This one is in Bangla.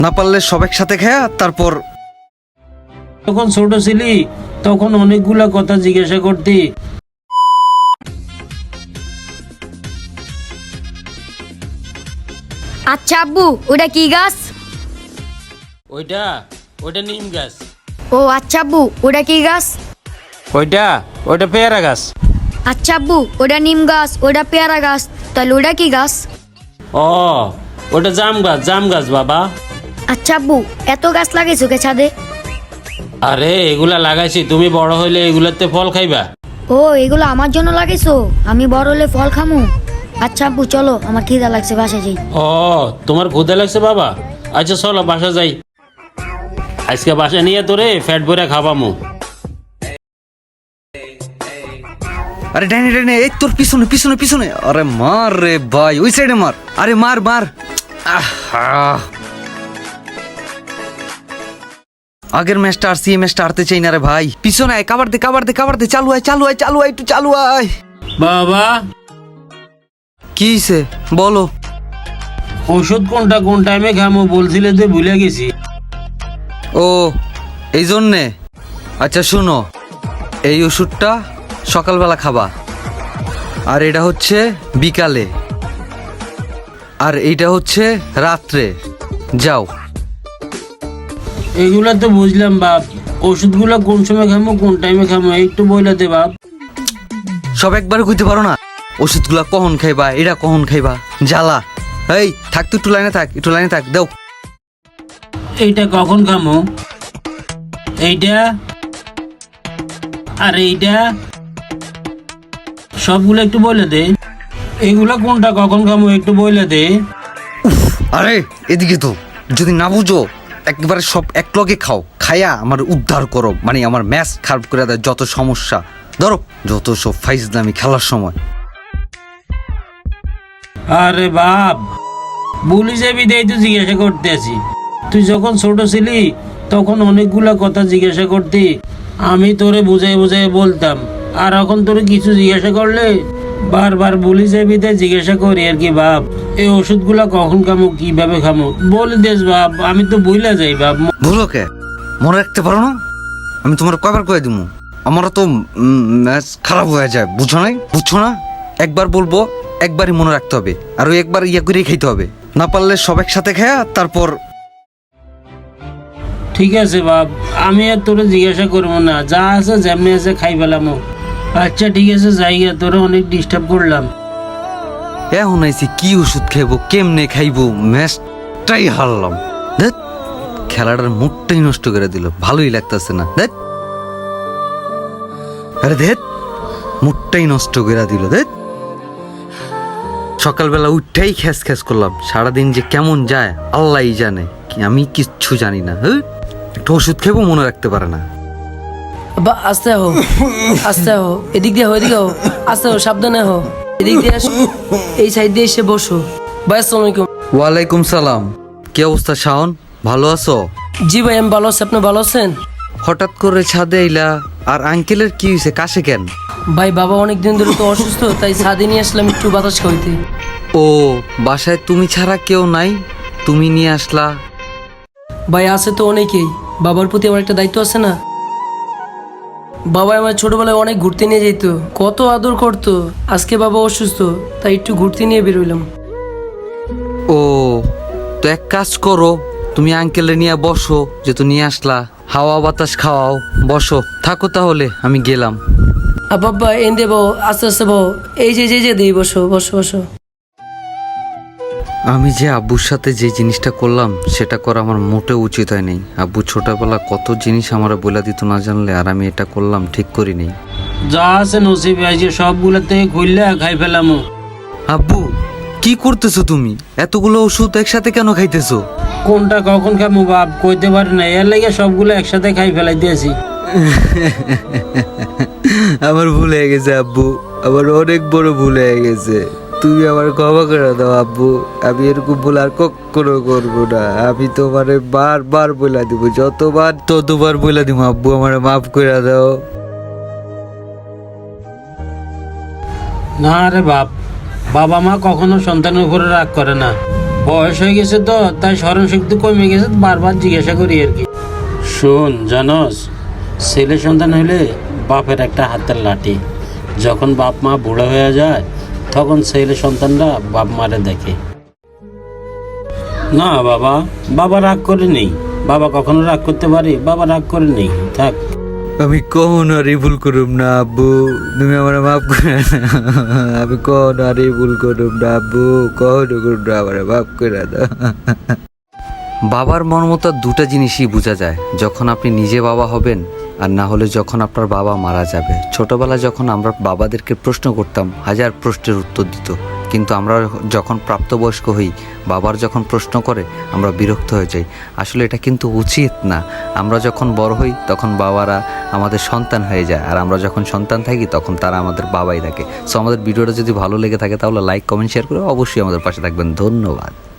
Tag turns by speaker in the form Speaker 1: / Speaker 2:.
Speaker 1: না পারলে সব একসাথে খায়া তারপর।
Speaker 2: যখন ছোট ছিলি তখন অনেকগুলা কথা জিজ্ঞাসা করতি।
Speaker 3: আচ্ছা আব্বু, ওটা কি গাছ?
Speaker 2: ওইটা ওইটা নিম গাছ।
Speaker 3: ও আচ্ছা আব্বু, ওটা কি গাছ?
Speaker 2: ওইটা ওইটা পেয়ারা গাছ।
Speaker 3: আচ্ছা আব্বু, ওটা নিম গাছ, ওটা পেয়ারা গাছ, তাহলে ওটা কি গাছ?
Speaker 2: ও ওটা জাম গাছ বাবা।
Speaker 3: আচ্ছা আব্বু, এত গাছ লাগাইছো কে ছাদে?
Speaker 2: আরে এগুলা লাগাইছি, তুমি বড় হইলে এগুলাতে ফল খাইবা।
Speaker 3: ও এগুলো আমার জন্য লাগাইছো, আমি বড় হলে ফল খামু। আচ্ছা আব্বু চলো, আমার খিদা লাগছে, বাসায় যাই।
Speaker 2: ও তোমার ক্ষুদা লাগছে বাবা? আচ্ছা চলো বাসা যাই, আজকে বাসা নিয়ে তোরে ফ্যাট ভরে খাবামু।
Speaker 1: আরে ডাইনে ডাইনে, এই তোর পিছনে পিছনে পিছনে। আরে মার রে ভাই, ওই সাইডে মার। আরে মার মার। আহা, আগের ম্যাচটা আর এই ম্যাচটা হারতে চাই না রে ভাই। পিছনে আয়, কাবার দে কাবার দে কাবার দে। চালু আয় চালু আয় চালু আয়, একটু চালু আয়।
Speaker 2: বাবা
Speaker 1: কি হইছে বলো?
Speaker 2: ওষুধ কোনটা কোন টাইমে খামো বলছিলে তো ভুলে গেছি।
Speaker 1: ও এই জন্যে? আচ্ছা শুনো, এই ওষুধটা সকালবেলা খাবা, আর এটা হচ্ছে বিকালে, আর এইটা হচ্ছে রাত্রে। যাও।
Speaker 2: এগুলা তো বুঝলাম বাপ, ওষুধগুলো কোন সময় খামো কোন টাইমে খামো একটু বইলা দে বাপ।
Speaker 1: সব একবারে কইতে পারো না? ওষুধগুলা কখন খাইবা, এটা কখন খাইবা, জ্বালা। এই থাক, তুই একটু লাইনে থাক, একটু লাইনে থাক। দাও।
Speaker 2: এইটা কখন খামো, এইটা আর এইটা, সবগুলো একটু বলে দে। এগুলা কোনটা কখন খামো একটু বলে দে।
Speaker 1: আরে এদিকে তো, যদি না বুঝো একবারে সব এক লগে খাও, খায়া আমার উদ্ধার করো, মানে আমার ম্যাচ খারাপ করে দেয় যত সমস্যা। ধরো যত সব ফাইজলামি খেলার সময়।
Speaker 2: আরে বাপ, বলি যাবি দেই তো জিজ্ঞাসা করতে আছি। তুই যখন ছোট ছিলি তখন অনেকগুলা কথা জিজ্ঞাসা করতি, আমি তোরে বুঝাই বুঝাই বলতাম। আর এখন তোরে কিছু জিজ্ঞাসা করলে বারবার বলি যাবি দেয় জিজ্ঞাসা করি আর কি বাপ। এই ওষুধগুলা কখন খামো কিভাবে খামো বলে দেস বাপ, আমি তো বইলা যাই বাপ।
Speaker 1: ভুলো কে, মনে রাখতে পারো না? আমি তোমার কয়বার কয়ে দিব, আমারও তো ম্যাচ খারাপ হয়ে যায়, বুঝো নাই? বুঝছো না? একবার বলবো, একবারই মনে রাখতে হবে, আর ওই একবার ইয়া করেই খাইতে হবে। না পারলে সব একসাথে খায়া তারপর।
Speaker 2: ঠিক আছে বাপ, আমি আর তোরে জিজ্ঞাসা করবো না, যা আছে যেমনি আছে খাই ফেলামো। আচ্ছা ঠিক আছে জায়গা, তোরে অনেক ডিস্টার্ব করলাম।
Speaker 1: এখন আইছি কি ওষুধ খাইবো, কেমনে খাইবো, ম্যাচটাই হারলাম। দেখ, খেলাটার মুডটাই নষ্ট করে দিল, ভালোই লাগতেছে না। দেখ, আরে দেখ, মুডটাই নষ্ট করে দিল। দেখ, সকালবেলা উঠতেই খ্যাস খ্যাস করলাম, সারাদিন যে কেমন যায় আল্লাহই জানে, কি আমি কিচ্ছু জানি না। একটু ওষুধ খেবো, মনে রাখতে পারে না।
Speaker 4: বা আস্তে হো, আস্তে হো, এদিক দিয়ে হো, এদিকে হো, আস্তে হো, সাবধানে হো, এদিক দিয়ে আসো, এই সাইড দিয়ে এসে বসো। ভাই আসসালামু আলাইকুম।
Speaker 1: ওয়ালাইকুম সালাম। কি অবস্থা শাওন, ভালো আছো?
Speaker 4: জি ভাই আমি ভালো আছি, আপনি ভালো আছেন?
Speaker 1: হঠাৎ করে ছাদে এলা, আর আঙ্কেলের কি হয়েছে, কাশে কেন?
Speaker 4: ভাই বাবা অনেকদিন ধরে তো অসুস্থ, তাই ছাদে নিয়ে আসলাম একটু বাতাস খাইতে।
Speaker 1: ও বাসায় তুমি ছাড়া কেউ নাই, তুমি নিয়ে আসলা?
Speaker 4: ভাই আছে তো অনেকেই, বাবার প্রতি আমার একটা দায়িত্ব আছে না। বাবা আমার ছোটবেলায় অনেক ঘুরতে নিয়ে যেত, কত আদর করতো। আজকে বাবা অসুস্থ, তাই একটু ঘুরতে নিয়ে বেরোইলাম।
Speaker 1: ও তো এক কাজ করো, তুমি আঙ্কেলে নিয়ে বসো, যেহেতু নিয়ে আসলা, হাওয়া বাতাস খাওয়াও, বসো। থাকো তাহলে, আমি গেলাম।
Speaker 4: বাবা এন দেবো, আস্তে আস্তে বো, এই যে যে দিই, বসো বসো বসো।
Speaker 1: আমি যে আব্বুর সাথে যে জিনিসটা করলাম সেটা করা আমার মোটেও উচিত হয় নাই। আব্বু ছোটবেলা কত জিনিস আমার বলে দিত না জানলে, আর আমি এটা করলাম, ঠিক করি নাই।
Speaker 2: যা আছে নসিবে আছে সবগুলা থেকে খুললে খাই ফেলামো।
Speaker 1: আব্বু কি করতেছো তুমি? এতগুলো ওষুধ একসাথে কেন খাইতেছো?
Speaker 2: কোনটা কখন খামো বাপ কইতে পারি না, এর লেগে সবগুলো একসাথে খাই ফেলাই দিয়েছি।
Speaker 1: আমার ভুল হয়ে গেছে আব্বু, আমার অনেক বড় ভুল হয়ে গেছে, তুমি আমার ক্ষমা করে দাও আব্বু। আমি এরকম ভুল আর কখনো করবো না। আমি তোমারে বারবার বলে দিব, যতবার ততবার বলে দিব আব্বু, আমার মাফ করে দাও।
Speaker 2: না রে বাপ, বাবা মা কখনো সন্তানের উপরে রাগ করে না। বয়স হয়ে গেছে তো, তাই স্মরণ শক্তি কমে গেছে, বারবার জিজ্ঞাসা করি আর কি। শোন জানোস, ছেলে সন্তান হলে বাপের একটা হাতের লাঠি। যখন বাপ মা বুড়ো হয়ে যায় তখন ছেলে সন্তানরা বাপ মারে দেখে। না বাবা, বাবা রাগ করে নেই। বাবা কখনো রাগ করতে পারে? বাবা রাগ করে নেই, থাক।
Speaker 1: আমি কখনো আর এই ভুল করুম না আব্বু, তুমি আমার মাফ করে দাও। আমি কখনো আর এই ভুল করুম না আব্বু, কখনো করুম না, আমার মাফ করে দাও।
Speaker 5: বাবার মর্মতা দুটো জিনিসই বোঝা যায়, যখন আপনি নিজে বাবা হবেন আর না হলে যখন আপনার বাবা মারা যাবে। ছোটবেলায় যখন আমরা বাবাদেরকে প্রশ্ন করতাম, হাজার প্রশ্নের উত্তর দিত, কিন্তু আমরা যখন প্রাপ্তবয়স্ক হই, বাবার যখন প্রশ্ন করে আমরা বিরক্ত হয়ে যাই। আসলে এটা কিন্তু উচিত না। আমরা যখন বড় হই তখন বাবারা আমাদের সন্তান হয়ে যায়, আর আমরা যখন সন্তান থাকি তখন তারা আমাদের বাবাই থাকে। সো আমাদের ভিডিওটা যদি ভালো লেগে থাকে তাহলে লাইক, কমেন্ট, শেয়ার করে অবশ্যই আমাদের পাশে থাকবেন। ধন্যবাদ।